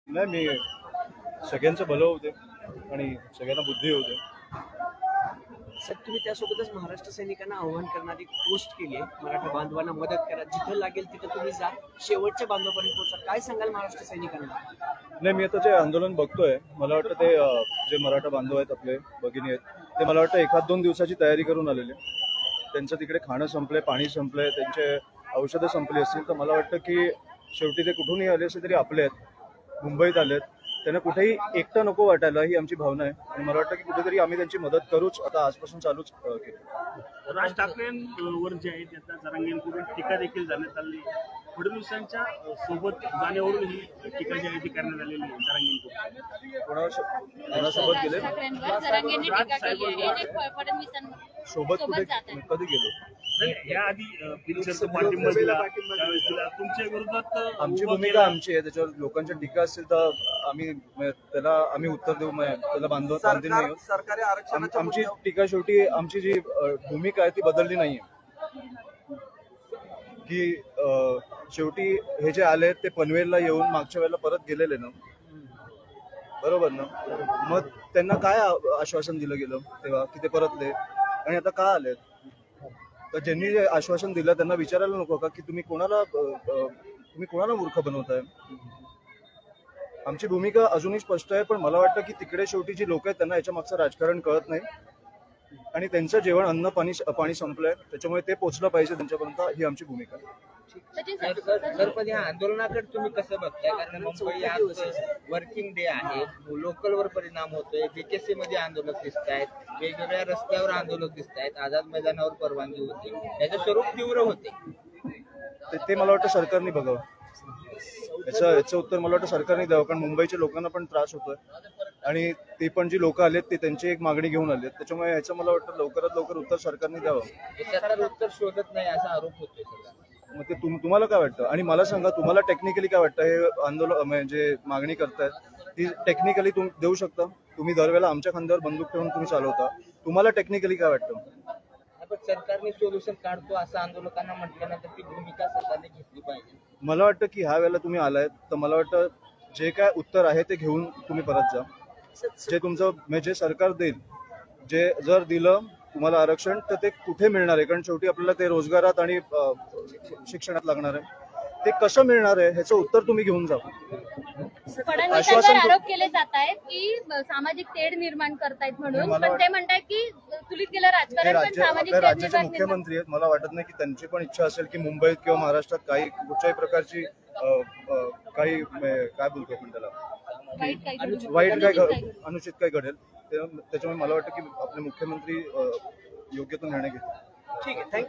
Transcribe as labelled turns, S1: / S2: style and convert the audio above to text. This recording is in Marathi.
S1: नाही, मी सगळ्यांचं भलं होते आणि सगळ्यांना बुद्धी होते.
S2: सर, तुम्ही त्यासोबतच महाराष्ट्र सैनिकांना आव्हान करणारी पोस्ट केली आहे, मराठा बांधवांना मदत करा, जिथं लागेल तिथं तुम्ही जा, शेवटच्या बांधवापर्यंत पोहोचा. काय सांगाल महाराष्ट्र सैनिकांना?
S1: नाही, मी आता जे आंदोलन बघतोय, मला वाटतं ते जे मराठा बांधव आहेत, आपले भगिनी आहेत, ते मला वाटतं 1-2 दिवसाची तयारी करून आलेले. त्यांचं तिकडे खाणं संपलंय, पाणी संपलंय, त्यांचे औषधं संपली असतील. तर मला वाटतं की शेवटी ते कुठूनही आले असले तरी आपले आहेत, मुंबईत आलेत, त्यांना कुठेही एकटं नको वाटायला, ही आमची भावना आहे. आणि मला वाटतं की कुठेतरी आम्ही त्यांची मदत करूच, आता आजपासून चालूच केली.
S3: राज ठाकरेंवर जे आहे त्याचा जरांगेंकडून टीका देखील करण्यात आली. फडणवीसांच्या सोबत जाण्यावरून ही टीका जी आहे ती करण्यात आलेली आहे जरांगेंकडून.
S1: कोणासोबत गेले?
S4: जरांगेंनी टीका केली आहे आणि फडणवीसांवर
S1: सोबत कुठे कधी गेलो?
S3: या आधी पिक्चरचा पाठिंबा दिला, त्यावेळेस दिला. तुमच्या विरोधात
S1: आमची भूमिका आमची आहे, त्याच्यावर लोकांच्या टीका असतील तर आम्ही उत्तर देऊ. त्याला बांधील नाही.
S2: सरकारी
S1: आमची टीका शेवटी आमची जी भूमिका आहे ती बदलली नाहीये. की शेवटी हे जे आले ते पनवेलला येऊन मागच्या वेळेला परत गेलेले ना, बरोबर ना? मग त्यांना काय आश्वासन दिलं गेलं तेव्हा की ते परतले, आणि आता का आले? तर ज्यांनी जे आश्वासन दिलं त्यांना विचारायला नको का की तुम्ही कोणाला मूर्ख बनवताय? आमची भूमिका अजूनही स्पष्ट आहे, पण मला वाटतं की तिकडे शेवटी जी लोक आहेत त्यांना याच्या मागचं राजकारण कळत नाही, आणि त्यांचं जेवण अन्न पाणी संपलंय, त्याच्यामुळे ते पोहोचलं पाहिजे त्यांच्यापर्यंत, ही आमची भूमिका आहे.
S5: सर, पण या आंदोलनाकडे तुम्ही कसं बघताय? कारण मुंबई आज वर्किंग डे आहे, लोकलवर परिणाम होतोय, बीकेसी मध्ये आंदोलक दिसत आहेत, वेगवेगळ्या रस्त्यावर आंदोलक दिसत आहेत, आझाद मैदानावर परवानगी होती, त्याचं स्वरूप तीव्र होते.
S1: ते मला वाटतं सरकारने बघावं. याचं उत्तर मला वाटतं सरकारने द्यावं, कारण मुंबईच्या लोकांना पण त्रास होतोय, आणि ते पण जी लोक आलेत ते त्यांची एक मागणी घेऊन आलेत. त्याच्यामुळे याचं मला वाटतं लवकरात लवकर उत्तर सरकारने द्यावं.
S5: सरकार उत्तर शोधत नाही असा आरोप होतोय सगळा.
S1: मग ते तुम्हाला काय वाटतं? आणि मला सांगा, तुम्हाला टेक्निकली काय वाटतं? हे आंदोलन म्हणजे मागणी करतायत ती टेक्निकली तुम्ही देऊ शकता? तुम्ही दरवेळेला आमच्या खांद्यावर बंदूक ठेवून तुम्ही चालवता. तुम्हाला टेक्निकली काय वाटतं?
S5: पण सरकारने सोल्युशन काढतो असं आंदोलकांना म्हटल्यानंतर ती भूमिका सरकारने घेतली पाहिजे.
S1: मला वाटतं की ह्या वेळेला तुम्ही आलायत तर मला वाटतं जे काय उत्तर आहे ते घेऊन तुम्ही परत जा. जे तुमचं म्हणजे सरकार देईल, जे जर दिलं तुम्हाला आरक्षण तर ते कुठे मिळणार आहे? कारण शेवटी आपल्याला ते रोजगारात आणि शिक्षणात लागणार आहे. ते कसं मिळणार आहे ह्याचं उत्तर तुम्ही घेऊन जा.
S4: फडणवीसांवर आरोप केले जात आहेत की सामाजिक तेढ निर्माण करतायत म्हणून, पण ते म्हणतात की चुलीत गेलं राजकारण, पण सामाजिक तेढ
S1: राज्याचे
S4: निर्माण
S1: मुख्यमंत्री आहेत. मला वाटत नाही की त्यांची पण इच्छा असेल की मुंबईत किंवा महाराष्ट्रात काही कुठच्याही प्रकारची काही काय बोलतो आपण त्याला, अनुचित काय घडेल. त्याच्यामुळे मला वाटतं की आपले मुख्यमंत्री योग्य तो निर्णय घेतील.
S2: ठीक आहे, थँक्यू.